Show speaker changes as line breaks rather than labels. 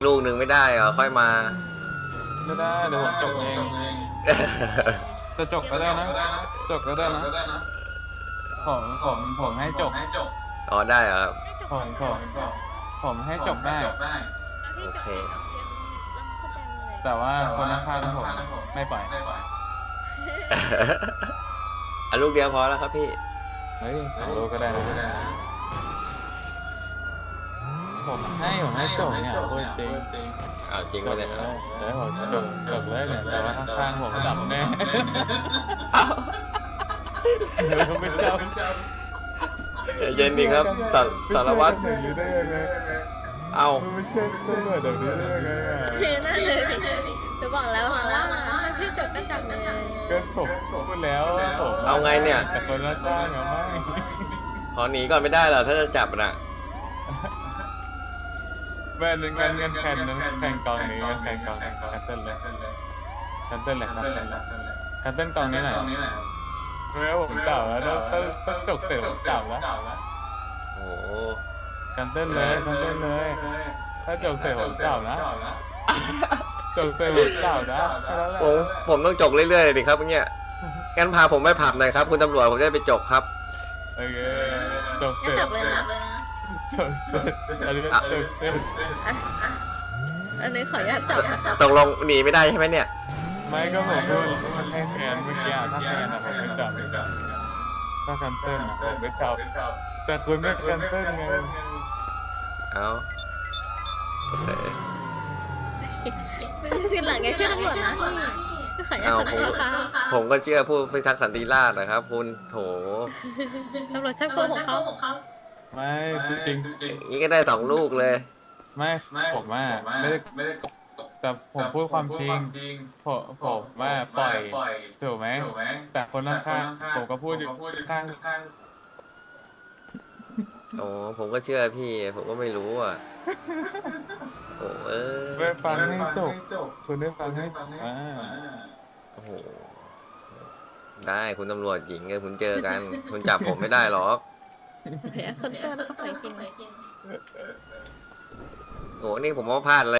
ลูกหนึ่งไม่ได้เหรอค่อยมา
ไม่ได้เดี๋ยวผมจบเองจะจบก็ได้นะจบก็ได้นะผมให้จบ
อ๋อได้เหรอครับ
ผมให้จบได้
โอเค
แต่ว่าคนข้างๆผมไม่ปล่อย
อ่ะลูกเดียวพอแล้วครับพี่
เฮ้ยสองลูกก็ได้นะผมให้จบเนี่ยพูดจริง
อ้าวจริง
จ
ปะ
บเล
เนี่ย ย
แล้วผมจบเลยเนี่ยแต่ว่าข้างๆผมดับแน่เดี๋ยวไม่จำ
ใจเย็นดีครับสารวัตร
ไม่ใช่อย่างนี้ได้ยังไง
เอ้า
ไม่ใช่ตำรวจแบบนี้ได้ยังไงอ่ะ
น่าเลยหนูบอกแล้วว่าพี่จบก็จบเลย
ก็ผมพูดแล้วผม
เอาไงเนี่ย
แต่คนละจ้างอะไม่
ขอหนีก่อนไม่ได้เหรอถ้าจะจับน่ะ
แม่นึงเงินแข่งกองนี้แข่งกองแคนเซิลเลยแคนเซิลเลยครับแคนเซิลกองนี้หน่อยเมื่อผมเก่าแล้วต้องจบเสร็จผมเก่าแล้ว
โอ้โห
แคนเซิลเลยถ้าจบเสร็จผมเก่านะจบเสร็จผมเก่านะแค่นั้นแหละ
ผมต้องจกเรื่อยๆเลยดิครับเนี่ยงั้นพาผมไปผับหน่อยครับคุณตำรวจผมจะได้ไปจกครับ
โอเคจบเส
ก็
ร็จ
จบเลยนะ
จบเสร็จอันนี้จบเสร็จ
อันนี้ขออนุญาตจับนะครับ
ตกลงหนีไม่ได้ใช่ไหมเนี่ย
ไม่ก็ผมพูดให้แฟนเมื่อกี้ถ้าแฟนอะผมไม่จับถ้าแคนเซิลอะผมไม่จับแต่คุณไม่แคนเซิลไง
เอาโอเค
คือหลังแกเชื่อตำรวจนะพี่ขออนุญา
เอา
ตขอโทษค่ะ
ผมก็เชื่อผู้พิทักษ์สันติราษฎร์นะครับ คุณโถ
ตำรวจชอบโกหกเขา
ไม่จริง
นี่ก็ได้2 ลูกเลย
ไม่ผมว่าไม่ได้แต่ผมพูดความจริงผมว่าปล่อยถูกไหมแต่คนข้างๆผมก็พูดอยู่ข้าง
โอ้ผมก็เชื่อพี่ ผมก็ไม่รู้อ่ะโอ้
ไม่ฟังให้จบคุณได้ฟังให้
โอ้โหได้คุณตำรวจหญิงไงคุณเจอกัน คุณจับผมไม่ได้หรอก
เดี๋ยวคนตัวแล้วก็ปล่อยจริง
โอ้นี่ผมว่าพลาดเลย